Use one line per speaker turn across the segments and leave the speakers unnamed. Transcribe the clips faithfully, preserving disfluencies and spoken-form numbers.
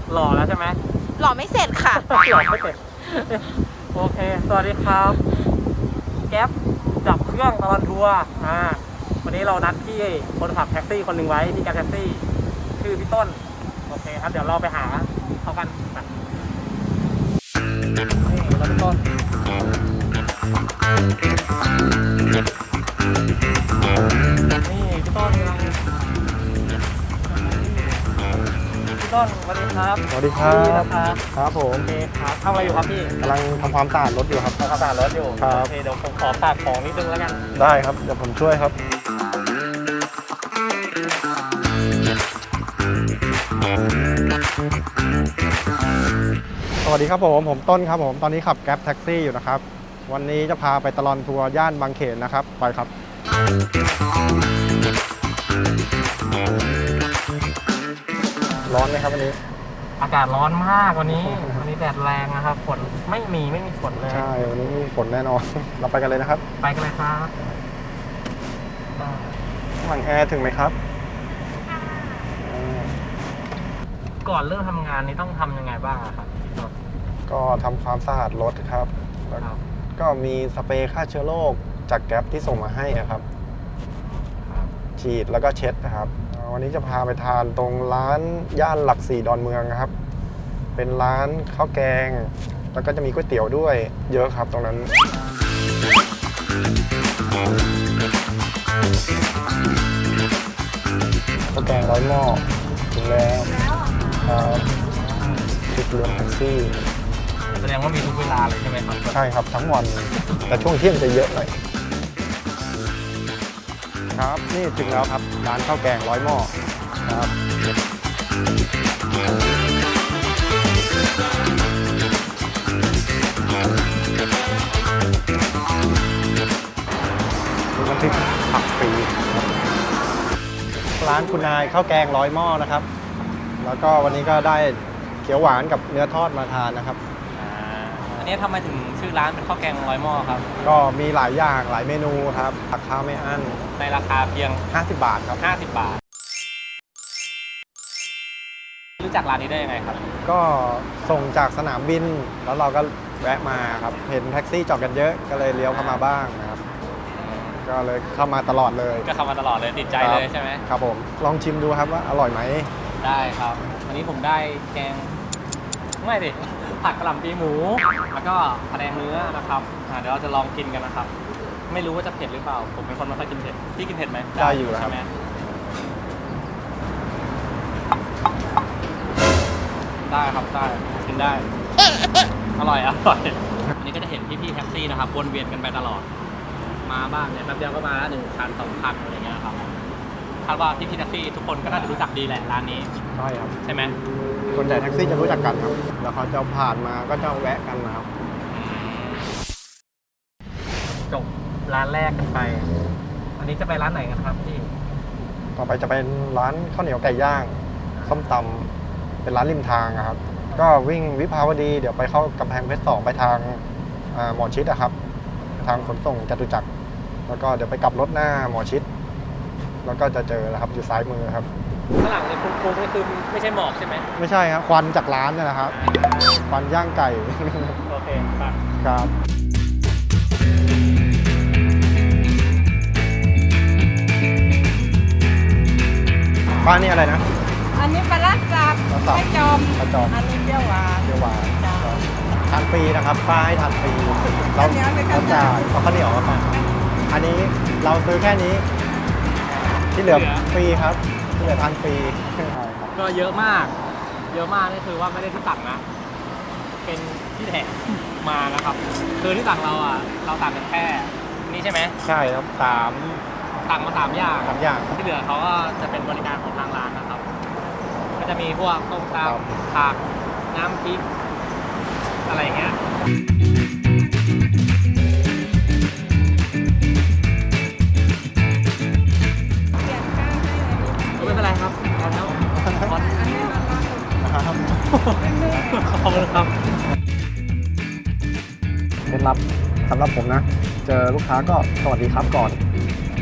หล่อแล้วใช่ไหม
หล่อไม่เสร็จค่ะ
หล่อไม่เสร็จโอเคสวัสดีครับแก๊ปดับเครื่องตลอดทัวร์อ่าวันนี้เรานัดพี่คนขับแท็กซี่คนหนึ่งไว้ที่แก๊ปแท็กซี่ชื่อพี่ต้นโอเคครับเดี๋ยวเราไปหาเขากันนี่เราพี่ต้นนี่พี่ต้นกำลังพี่ต้นสวัสดีครับ
สวัสดีครับครับผม
โอเคครับทำอะไรอยู่ครับพี่
กำลังทำความสะอาดรถอยู่ครับ
ทำความสะอาดรถอยู่โอเคเดี๋ยวผมขอฝากของนิดนึงแล้วกัน
ได้ครับเดี๋ยวผมช่วยครับสวัสดีครับผมผมต้นครับผมตอนนี้ขับแกร็บแท็กซี่อยู่นะครับวันนี้จะพาไปตลอดทัวร์ย่านบางเขนนะครับไปครับร้อนไหมครับวันนี้
อากาศร้อนมากวันนี้วันนี้แดดแรงนะครับฝนไม่มีไม่มีฝนเลย
ใช่วันนี้มีฝนแน่นอนเราไปกันเลยนะครับ
ไปกันเลยครับ
หลังแอร์ถึงไหมครับ
ก่อนเริ่มทำงานนี้ต้องทำยังไงบ้างครับ
ก็ทำความสะอาดรถครับแล้วก็มีสเปรย์ฆ่าเชื้อโรคจากแก๊ปที่ส่งมาให้นะครับฉีดแล้วก็เช็ดนะครับวันนี้จะพาไปทานตรงร้านย่านหลักสี่ดอนเมืองนะครับเป็นร้านข้าวแกงแล้วก็จะมีก๋วยเตี๋ยวด้วยเยอะครับตรงนั้นข้าวแกงร้อยหม้อถึงแล้วครับติดเรือแท็กซี่
แสดงว่ามีทุกเวลาเลยใช่ไหมครับ
ใช่ครับทั้งวันแต่ช่วงเที่ยงจะเยอะหน่อยครับนี่ถึงแล้วครับร้านข้าวแกงร้อยหม้อครับมีน้ำพริกผักฟรีร้านคุณนายข้าวแกงร้อยหม้อนะครับแล้วก็วันนี้ก็ได้เขียวหวานกับเนื้อทอดมาทานนะครับ
อันนี้ทำไมถึงชื่อร้านเป็นข้าวแกงร้อยหม้อครับ
ก็มีหลายอย่างหลายเมนูครับราคาไม่อั้น
ในราคาเพียง
ห้าสิบบาทครับ
ห้าสิบบาทรู้จักร้านนี้ได้ยังไงครับ
ก็ส่งจากสนามบินแล้วเราก็แวะมาครับเห็นแท็กซี่จอดกันเยอะก็เลยเลี้ยวเข้ามาบ้างนะครับก็เลยเข้ามาตลอดเลย
ก็เข้ามาตลอดเลยติดใจเลยใช่ไหม
ครับผมลองชิมดูครับว่าอร่อยไหม
ได้ครับวันนี้ผมได้แกงไม่ดิผัดกะหล่ำปีหมูแล้วก็พะแนงเนื้อนะครับเดี๋ยวเราจะลองกินกันนะครับไม่รู้ว่าจะเผ็ดหรือเปล่าผมเป็นคนไม่ค่อยกินเผ็ดพี่กินเผ็ดไหม
ได้อยู่แล้วครับ
ได้ครับได้กินได้อร่อยอร่อยอันนี้ก็จะเห็นพี่ๆแท็กซี่นะครับวนเวียนกันไปตลอดมาบ้างเนี่ยแป๊บเดียวก็มาหนึ่งคันสองคันอะไรเงี้ยครับคาดว่าพี่ๆแท็กซี่ทุกคนก็น่าจะรู้จักดีแหละร้านนี้
ใช่ครับ
ใช่ไหม
ส่วนใหญ่แท็กซี่จะรู้จักกันครับแล้วเขาจะผ่านมาก็จะแวะกันนะครับ
จบร้านแรกกันไปอันนี้จะไปร้านไหนกันครับพี่
ต่อไปจะเป็นร้านข้าวเหนียวไก่ย่างส้มตำเป็นร้านริมทางครับก็วิ่งวิภาวดีเดี๋ยวไปเข้ากำแพงเพชรสองไปทางหมอชิดนะครับทางขนส่งจตุจักรแล้วก็เดี๋ยวไปกลับรถหน้าหมอชิดแล้วก็จะเจอแล้วครับอยู่ซ้ายมือครับ
ข้างหลังเนี่ยคุ้งๆนี่คือไม่ใช่หมอกใช่ไหม
ไม่ใช่ครับควันจากร้านนี่แหละครับควันย่างไก่
โอเคครับ
ครับบ้านนี่อะไรนะ
อันนี้ปลาลัดจับปลาจอม
ปลาจอม
อันนี้เปรี้ยวหวาน
เปรี้ยวหวานทานฟรีนะครับป้าให้ทานฟรีเราเราจ่ายเอาข้าวเหนียวมาอันนี้เราซื้อแค่นี้ที่เหลือฟรีครับที่เหลือทานฟรี
ก็เยอะมากเยอะมากนี่คือว่าไม่ได้ที่สั่งนะเป็นที่แถมมานะครับคือที่สั่งเราอ่ะเราสั่งกันแค่นี่ใช่ไหม
ใช่ครับสาม
สั่งมาสามอย่าง
สามอย่าง
ที่เหลือเขาก็จะเป็นบริการของทางร้านนะครับก็จะมีพวกต้มตำผักน้ำพริกอะไรอย่างเงี้ยไม่เป็นไรครับเอาแล้วอันนี้นะครับขอบคุณครับ
เคล็ดลับสำหรับผมนะเจอลูกค้าก็สวัสดีครับก่อน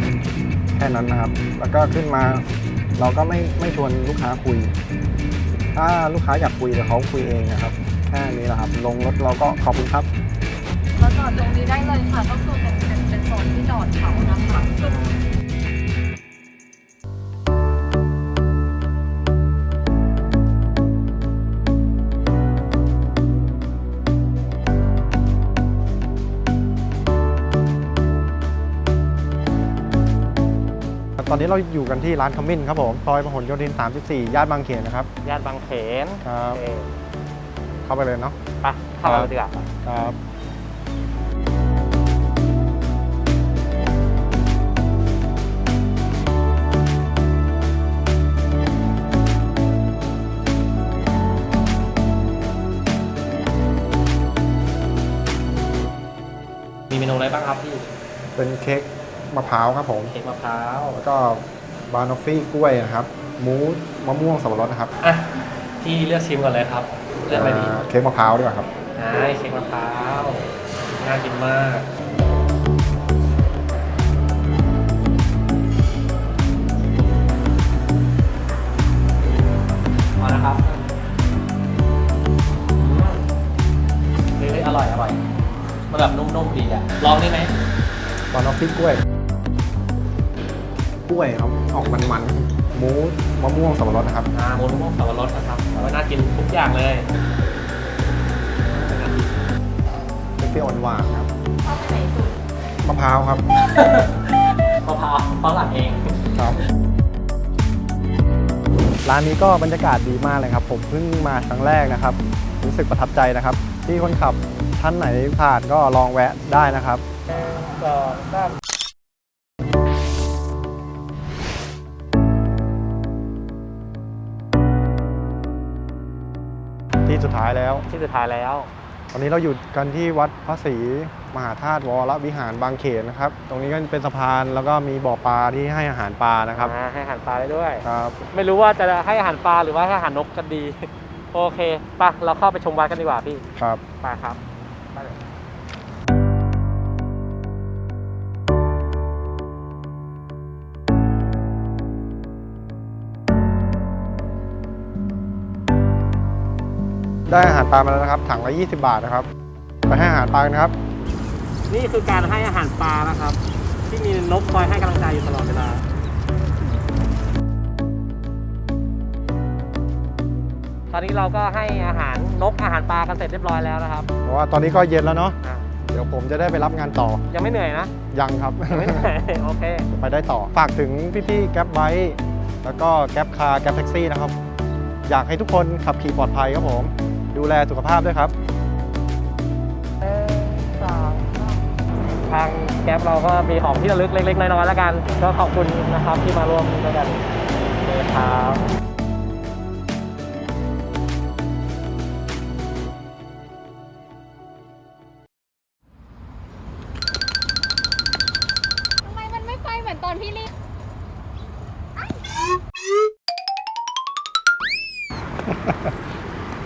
แค่นั้นนะครับแล้วก็ขึ้นมาเราก็ไม่ไม่ชวนลูกค้าคุยถ้าลูกค้าอยากคุยเดี๋ยวเขาคุยเองนะครับแค่นี้แหละครับลงรถเราก็ขอบคุณครับ
มาจอดตรงนี้ได้เลยค่ะ ก็คือเป็นเป็นเป็นโซนที่จอดเขานะคะซึ่ง
ตอนนี้เราอยู่กันที่ร้านขมิ้นครับผมซอยพหลโยธินสามสิบสี่ย่านบางเขนนะครับ
ย่านบางเขน
ครับ
โอเค
เข้าไปเลยเนาะ
ไปเข้ามาดีกว่า
ครับ
มีเมนูอะไรบ้างครับพี่
เป็นเค้กมะพร้าวครับผม
เค้กมะพร้าว
แล้วก็บานอฟฟี่กล้วยนะครับมูสมะม่วงสับปะรดนะครับ
อ่ะพี่เลือกชิมก่อนเลยครับเลือกอะไรดี
อ่าเค้กมะพร้าวดีกว่าครับ
ได้เค้กมะพร้าวน่ากินมากมานะครับเฮ้ยอร่อยอร่อยมันแบบนุ่มๆดีอ่ะลองได้ไหม
บานอฟฟี่กล้วย กล้วยครับออกมันๆมูสมะม่วงสับปะรดนะครับ
อ่าโมนุ่มสับปะรดนะครับว่าน่ากินทุกอย่างเลย
เปรี้ยวๆหวานๆครับ
ชอบไหนสุด
มะพร้าวครับ
มะพร้าวเพราะหลักเอง
ครับ ร้านนี้ก็บรรยากาศดีมากเลยครับ ผมเพิ่งมาครั้งแรกนะครับ รู้สึกประทับใจนะครับ ที่คนขับท่านไหนผ่านก็ลองแวะได้นะครับ
สองสาม
ที่สุดท้ายแล้ว
ที่สุดท้ายแล้ว
ตอนนี้เราอยู่กันที่วัดพระศรีมหาธาตุวรวิหารบางเขนนะครับ ตรงนี้ก็เป็นสะพานแล้วก็มีบ่อปลาที่ให้อาหารปลานะครับ
อ่าให้อาหารปลาได้ด้วย
ครับ
ไม่รู้ว่าจะให้อาหารปลาหรือว่าให้อาหารนกกันดี โอเคไปะเราเข้าไปชมวัดกันดีกว่าพี่
ครับ
ไปครับไปเลย
ได้อาหารปลามาแล้วนะครับ ถังละยี่สิบบาทนะครับ ไปให้อาหารปลากันนะครับ
นี่คือการให้อาหารปลานะครับ ที่มีนกคอยให้กำลังใจอยู่ตลอดเวลา ตอนนี้เราก็ให้อาหารนกอาหารปลากันเสร็จเรียบร้อยแล้วนะครับ
เพราะว่าตอนนี้ก็เย็นแล้วเนาะ
อ่ะ
เดี๋ยวผมจะได้ไปรับงานต่อ
ยังไม่เหนื่อยนะ
ยังครับ
ยังไม่เหนื่อย โอเค
ไปได้ต่อ ฝากถึงพี่ๆแก๊ปไบค์แล้วก็แก๊ปคาร์แก๊ปแท็กซี่นะครับ อยากให้ทุกคนขับขี่ปลอดภัยครับผม ดูแลสุขภาพด้วยครับ
ทางแก๊ปเราก็มีของที่ระลึกเล็กๆน้อยๆแล้วกัน ก็ขอบคุณนะครับที่มาร่วมด้วยกันเลยครับ
ทำไมมันไม่ไปเหมือนตอนพี่รีบ